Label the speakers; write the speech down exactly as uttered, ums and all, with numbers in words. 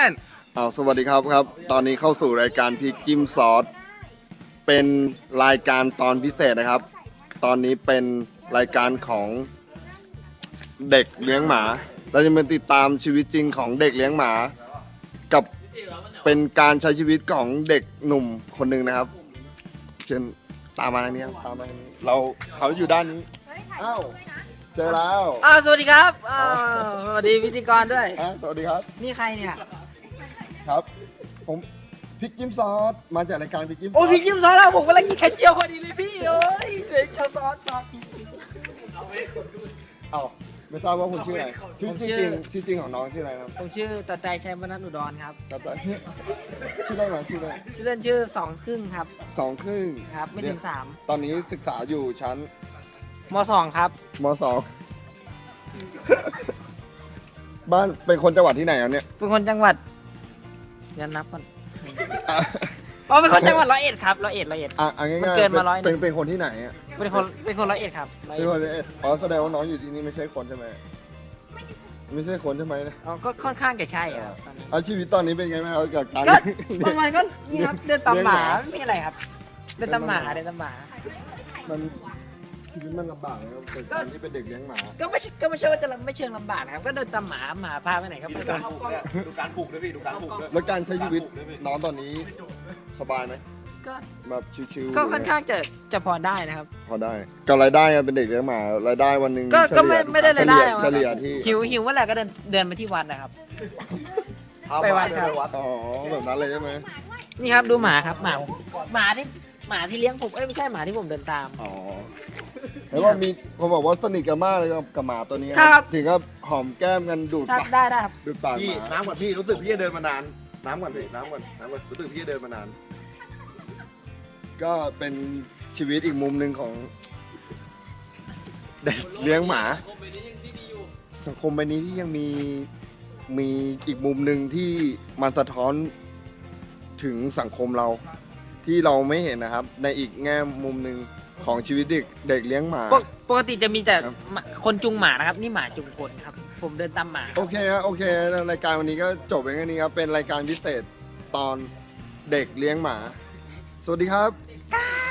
Speaker 1: ชั่นอ้าวสวัสดีครับครับ ตอนนี้เข้าสู่รายการพริกจิ้มซอสเป็นรายการตอนพิเศษนะครับ ตอนนี้เป็นรายการของเด็กเลี้ยงหมา เราจะมาติดตามชีวิตจริงของเด็กเลี้ยงหมา กับเป็นการใช้ชีวิตของเด็กหนุ่มคนหนึ่งนะครับ เช่นตามมาทางนี้ครับตามมาทางนี้เราเขาอยู่ด้านนี้อ้าวเจอแล้ว
Speaker 2: อ่าสวัสดีครับอ่าสวัสดีพิธีกรด้วย
Speaker 1: อ่ะสวัสดีครับ
Speaker 2: นี่ใครเนี่ย
Speaker 1: ครับ ผมพริกจิ้มซอสมาจากรายการพริกจิ้มซอส
Speaker 2: โอ้พี่ยิ้มซอสแล้วผมกำลังกินไข่เจียวพอดีเลยพี่เอ้ยเด็กชาวซอสซอส
Speaker 1: เอ้าไม่ทราบว่าคุณชื่ออะไรชื่อ
Speaker 2: ผมชื่
Speaker 1: ชื่อ
Speaker 2: อ
Speaker 1: จริงชื่อจริงของน้องชื่ออะไรครับ
Speaker 2: ผมชื่อตาใจชัยมนัสอุดรครับ
Speaker 1: แต่แต่ชื่ออะไรนะชื่ออะไร
Speaker 2: ชื่อเล่นชื่อสองครึ่งครับ
Speaker 1: สองครึ่ง
Speaker 2: ครับ ไม่ถึงสาม
Speaker 1: ตอนนี้ศึกษาอยู่ชั้น
Speaker 2: มสองครับ
Speaker 1: มสอง บ้านเป็นคนจังหวัดที่ไหนครับเนี่ย
Speaker 2: เป็นคนจังหวัดเดี๋ยวนับก่อนอ๋อเป็นคนจังหวัดร้อยเอ็ดครับร้อยเอ็ดร้อยเอ็ด
Speaker 1: อ่ะอ่ะง่ายๆ
Speaker 2: มันเกินมาร้อยหนึ่
Speaker 1: เป็น
Speaker 2: ง
Speaker 1: เป็นคนที่ไหนอ่ะ
Speaker 2: เป็นคนเป็นคนร้อยเอ็ดครับร้อย
Speaker 1: เป็น
Speaker 2: เอ็ด
Speaker 1: คนที่อ๋อแสดงว่าน้องอยู่ที่นี่ไม่ใช่คนใช่ไหมไม่ใช่คนใช่ไหมนะ
Speaker 2: อ๋อก็ค่อนข้างจะใช่ครับตอนนี้
Speaker 1: อาชีวิตตอนนี้เป็นไงบ้างครับกับการ
Speaker 2: ก็ประมาณก็นี่ครับเดินตามหมา
Speaker 1: เลี้ยงหมา
Speaker 2: ไม่มีอะไรครับเดินตามหมาเดินตามหมา
Speaker 1: มันชีวิตมันลำบากนะครับเป็นการที่เป็นเด็กเลี้ยงหมา
Speaker 2: ก็ไม่ใช่ก็ไม่ใช่ว่าจะไม่เชิงลำบากนะครับก็เดินตามหมาหมาพาไปไหนก็ไปตาม
Speaker 3: ดูการปลูกด้วยพี่ดูการปลูกด้วย
Speaker 1: แล้วการใช้ชีวิตน้องตอนนี้สบายไหม
Speaker 2: ก็
Speaker 1: แบบชิวๆ
Speaker 2: ก็ค่อนข้างจะจะพอได้นะครับ
Speaker 1: พอได้กับรายได้อะเป็นเด็กเลี้ยงหมารายได้วันหนึ่ง
Speaker 2: ก็
Speaker 1: เฉลี่ย
Speaker 2: ก็ไม่ไม่ได้รายได้
Speaker 1: เฉลี่ยเฉลี่ยที่
Speaker 2: หิวหิวเมื่อไหร่ก็เดินเดินมาที่วัดนะครับ ไปวัดครับ
Speaker 3: ไปวัด
Speaker 1: อ๋อแบบนั้นเลยใช่ไหม
Speaker 2: นี่ครับดูหมาครับหมาหมาที่หมาที่เลี้ยงผมเอ้ยไม่ใช่หมาที่ผมเดินตาม
Speaker 1: อ๋อแล้วว่ามีเขาบอกว่าสนิทกันมากเลยกับกับหมาตัวนี้
Speaker 2: ครับ
Speaker 1: ถึงกับหอมแก้มกันดูด
Speaker 2: ครับ
Speaker 1: ปาก
Speaker 2: ได้ได้ครับ
Speaker 1: ดูดปากห
Speaker 3: พี่
Speaker 1: มา
Speaker 3: น้ำก่อนพี่รู้สึกพี่จะเดินมานาน น้ำก่อนพี่น้ำก่อนน้ำก่อนรู้สึกพี่จะเดินมานาน
Speaker 1: ก็เป็นชีวิตอีกมุมหนึ่งของเด็กเลี้ยงหมา สังคมใบนี้ที่ยังมีมีอีกมุมหนึ่งที่มันสะท้อนถึงสังคมเราที่เราไม่เห็นนะครับ ในอีกแง่มุมหนึ่งของชีวิตเด็กเด็กเลี้ยงหมา
Speaker 2: ปกปกติจะมีแต่
Speaker 1: ครับ
Speaker 2: หมาคนจุงหมานะครับ นี่หมาจุงคนครับ ผมเดินตามหมา
Speaker 1: โอเคครับโอเครายการวันนี้ก็จบไปแค่นี้ครับเป็นรายการพิเศษตอนเด็กเลี้ยงหมา สวัสดีครับ